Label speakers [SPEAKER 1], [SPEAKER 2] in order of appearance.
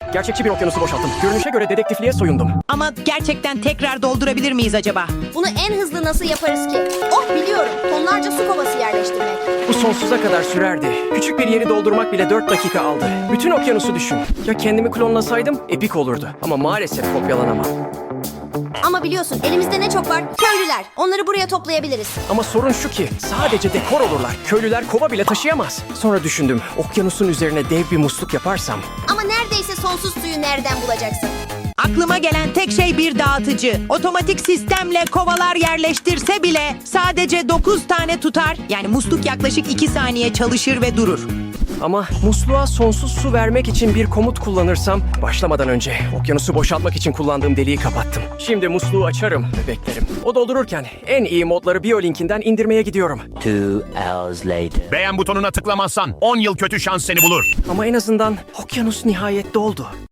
[SPEAKER 1] Gerçekçi bir okyanusu boşalttım. Görünüşe göre dedektifliğe soyundum.
[SPEAKER 2] Ama gerçekten tekrar doldurabilir miyiz acaba?
[SPEAKER 3] Bunu en hızlı nasıl yaparız ki? Oh biliyorum. Tonlarca su kovası yerleştirmek.
[SPEAKER 1] Bu sonsuza kadar sürerdi. Küçük bir yeri doldurmak bile 4 dakika aldı. Bütün okyanusu düşün. Ya kendimi klonlasaydım epik olurdu. Ama maalesef kopyalanamam.
[SPEAKER 3] Ama biliyorsun elimizde ne çok var? Köylüler. Onları buraya toplayabiliriz.
[SPEAKER 1] Ama sorun şu ki sadece dekor olurlar. Köylüler kova bile taşıyamaz. Sonra düşündüm okyanusun üzerine dev bir musluk yaparsam.
[SPEAKER 3] Ama neredeyse sonsuz suyu nereden bulacaksın?
[SPEAKER 2] Aklıma gelen tek şey bir dağıtıcı. Otomatik sistemle kovalar yerleştirse bile sadece 9 tane tutar. Yani musluk yaklaşık 2 saniye çalışır ve durur.
[SPEAKER 1] Ama musluğa sonsuz su vermek için bir komut kullanırsam başlamadan önce okyanusu boşaltmak için kullandığım deliği kapattım. Şimdi musluğu açarım ve beklerim. O doldururken en iyi modları BioLink'inden indirmeye gidiyorum.
[SPEAKER 4] 2 hours later.
[SPEAKER 5] Beğen butonuna tıklamazsan 10 yıl kötü şans seni bulur.
[SPEAKER 1] Ama en azından okyanus nihayet doldu.